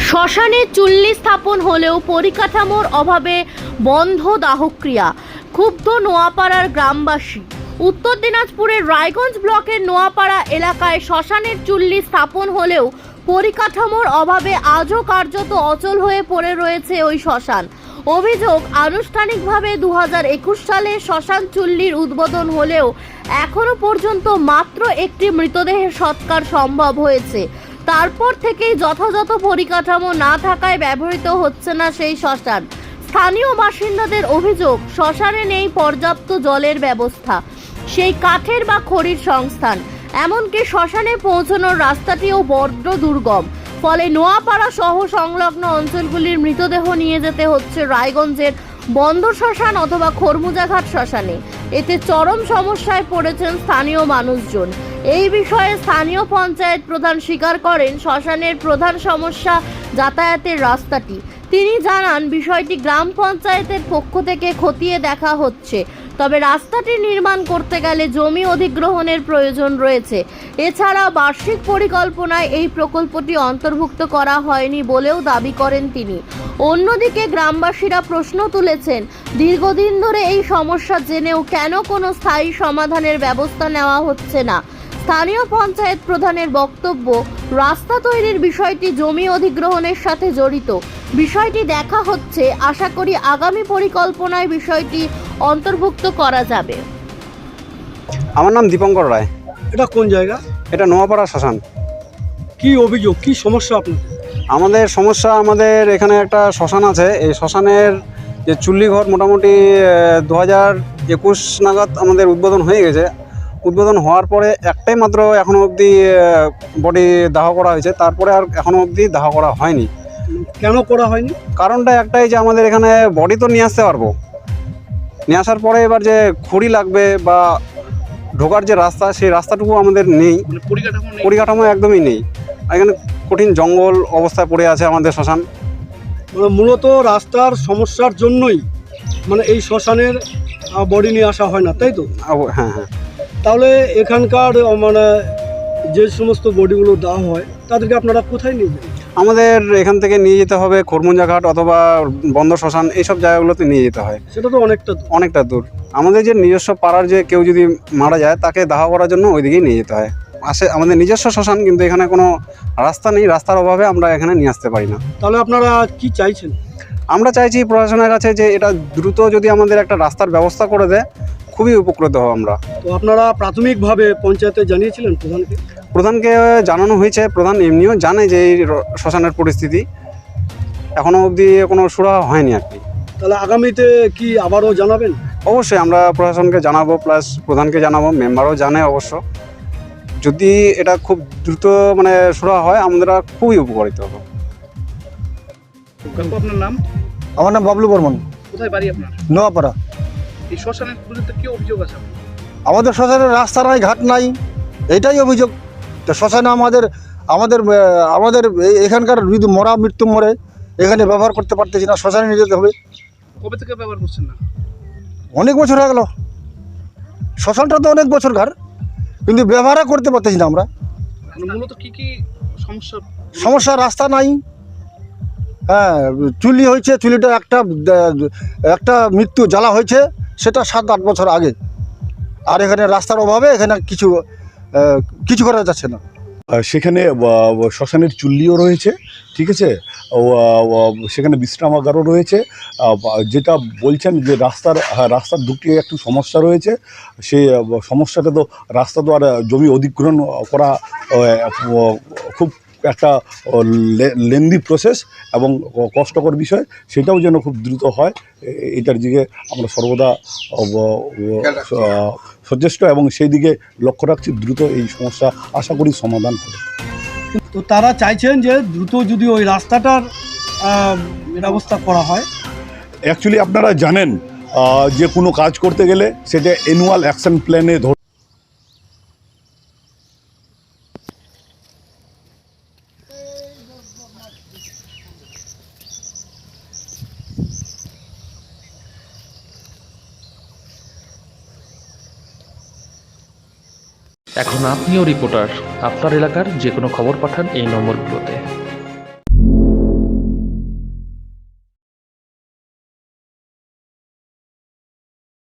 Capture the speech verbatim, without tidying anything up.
শ্মশানে চুল্লি স্থাপন হলেও পরিকাঠামোর অভাবে বন্ধ দাহক্রিয়া, ক্ষুব্ধ নোয়াপাড়ার গ্রামবাসী। উত্তর দিনাজপুরের রায়গঞ্জ ব্লকের নোয়াপাড়া এলাকায় শ্মশানের চুল্লি স্থাপন হলেও পরিকাঠামোর অভাবে আজও কার্যত অচল হয়ে পড়ে রয়েছে ওই শ্মশান। অভিযোগ, আনুষ্ঠানিকভাবে দু হাজার একুশ সালে শ্মশান চুল্লির উদ্বোধন হলেও এখনো পর্যন্ত মাত্র একটি মৃতদেহের সৎকার সম্ভব হয়েছে। তারপর থেকেই যথাযথ পরিকাঠামো না থাকায় ব্যবহৃত হচ্ছে না সেই শ্মশান। স্থানীয় বাসিন্দাদের অভিযোগ, শ্মশানে নেই পর্যাপ্ত জলের ব্যবস্থা, সেই কাঠের বা খড়ির সংস্থান, এমনকি শ্মশানে পৌঁছানোর রাস্তাটিও বড্ড দুর্গম। ফলে নোয়াপাড়া সহ সংলগ্ন অঞ্চলগুলির মৃতদেহ নিয়ে যেতে হচ্ছে রায়গঞ্জের বন্দর শ্মশান অথবা খরমুজাঘাট শ্মশানে। এতে চরম সমস্যায় পড়েছেন স্থানীয় মানুষজন। এই বিষয়ে স্থানীয় পঞ্চায়েত প্রধান স্বীকার করেন, শ্মশানের প্রধান সমস্যা যাতায়াতের রাস্তাটি। তিনি জানান, বিষয়টি গ্রাম পঞ্চায়েতের পক্ষ থেকে খতিয়ে দেখা হচ্ছে, তবে রাস্তাটি নির্মাণ করতে গেলে জমি অধিগ্রহণের প্রয়োজন রয়েছে। এছাড়া বার্ষিক পরিকল্পনায় এই প্রকল্পটি অন্তর্ভুক্ত করা হয়নি বলেও দাবি করেন তিনি। অন্যদিকে গ্রামবাসীরা প্রশ্ন তুলেছেন, দীর্ঘদিন ধরে এই সমস্যা জেনেও কেন কোনো স্থায়ী সমাধানের ব্যবস্থা নেওয়া হচ্ছে না। স্থানীয় পঞ্চায়েত প্রধানের বক্তব্য, রাস্তা তৈরির বিষয়টি জমি অধিগ্রহণের সাথে জড়িত, বিষয়টি দেখা হচ্ছে, আশা করি আগামী পরিকল্পনায় বিষয়টি অন্তর্ভুক্ত করা যাবে। আমার নাম দীপঙ্কর রায়। এটা কোন জায়গা? এটা নোয়াপাড়া শ্মশান। কি অভিযোগ, কি সমস্যা আপনাদের? আমাদের সমস্যা, আমাদের এখানে একটা শ্মশান আছে। এই শ্মশানের যে চুল্লি ঘর মোটামুটি দু হাজার একুশ নাগাদ আমাদের উদ্বোধন হয়ে গেছে। উদ্বোধন হওয়ার পরে একটাই মাত্র এখনও অবধি বডি দাহ করা হয়েছে, তারপরে আর এখনও অবধি দাহ করা হয়নি। কেন করা হয়নি? কারণটা একটাই যে আমাদের এখানে বডি তো নিয়ে আসতে পারবো, নিয়ে আসার পরে এবার যে খড়ি লাগবে বা ঢোকার যে রাস্তা, সেই রাস্তাটুকু আমাদের নেই, পরিকাঠামো একদমই নেই। এখানে কঠিন জঙ্গল অবস্থায় পড়ে আছে আমাদের শ্মশান। মানে মূলত রাস্তার সমস্যার জন্যই মানে এই শ্মশানের বডি নিয়ে আসা হয় না, তাই তো? হ্যাঁ হ্যাঁ। তাহলে এখানকার মানে যে সমস্ত বডিগুলো দেওয়া হয় তাদেরকে আপনারা কোথায় নিয়ে যান? আমাদের এখান থেকে নিয়ে যেতে হবে খরমুজাঘাট অথবা বন্দর শ্মশান, এইসব জায়গাগুলোতে নিয়ে যেতে হয়। সেটা তো অনেকটা অনেকটা দূর। আমাদের যে নিজস্ব পাড়ার যে কেউ যদি মারা যায়, তাকে দাহ করার জন্য ওইদিকেই নিয়ে যেতে হয়। আসে আমাদের নিজস্ব শ্মশান, কিন্তু এখানে কোনো রাস্তা নেই, রাস্তার অভাবে আমরা এখানে নিয়ে আসতে পারি না। তাহলে আপনারা কি চাইছেন? আমরা চাইছি প্রশাসনের কাছে যে এটা দ্রুত যদি আমাদের একটা রাস্তার ব্যবস্থা করে দেয়, খুবই উপকৃত হব আমরা। তো আপনারা প্রাথমিকভাবে পঞ্চায়েতে জানিয়েছিলেন প্রধানকে? প্রধানকে জানানো হয়েছে, প্রধান এমনিও জানে যে এই শ্মশানের পরিস্থিতি, এখনও অবধি কোনো সুরাহা হয়নি আর কি। তাহলে আগামীতে কি আবারও জানাবেন? অবশ্যই আমরা প্রশাসনকে জানাবো, প্লাস প্রধানকে জানাবো, মেম্বারও জানে অবশ্য। যদি এটা খুব দ্রুত মানে সুরাহা হয়, আমরা খুবই উপকারিত হব। আপনার নাম? আমার নাম বাবলু বর্মন। কোথায় বাড়ি আপনার? নোয়াপাড়া। এই শ্মশানের বিরুদ্ধে কি অভিযোগ আছে? আমাদের শ্মশানের রাস্তা নাই, ঘাট নাই, এটাই অভিযোগ। তো শ্মশানে আমাদের আমাদের আমাদের এখানকার যদি মরা মৃত্যু মরে এখানে ব্যবহার করতে পারতেছি না, শ্মশানে নিয়ে যেতে হবে। কবে থেকে ব্যবহার করছেন না? অনেক বছর হয়ে গেল। শ্মশানটা তো অনেক বছর ঘর, কিন্তু ব্যবহার করতে পারতেছি না আমরা। মূলত কি কি সমস্যা? সমস্যা, রাস্তা নাই। হ্যাঁ, চুল্লি হয়েছে, চুল্লিটা একটা একটা মৃত্যু জ্বালা হয়েছে, সেটা সাত আট বছর আগে। আর এখানে রাস্তার অভাবে এখানে কিছু কিছু করা যাচ্ছে না। সেখানে শ্মশানের চুল্লিও রয়েছে, ঠিক আছে, সেখানে বিশ্রামাগারও রয়েছে। যেটা বলছেন যে রাস্তার রাস্তার দুটি একটু সমস্যা রয়েছে, সেই সমস্যাটা তো রাস্তা তো আর জমি অধিগ্রহণ করা খুব একটা লেন্দি প্রসেস এবং কষ্টকর বিষয়, সেটাও যেন খুব দ্রুত হয়, এটার দিকে আমরা সর্বদা সচেষ্ট এবং সেই দিকে লক্ষ্য রাখছি। দ্রুত এই সমস্যা আশা করি সমাধান হবে। তো তারা চাইছেন যে দ্রুত যদি ওই রাস্তাটার ব্যবস্থা করা হয়। অ্যাকচুয়ালি আপনারা জানেন যে কোনো কাজ করতে গেলে সেটা অ্যানুয়াল অ্যাকশন প্ল্যানে ধর এখন আপনিও রিপোর্টার, আপনার এলাকার যে কোনো খবর পাঠান এই নম্বরগুলোতে।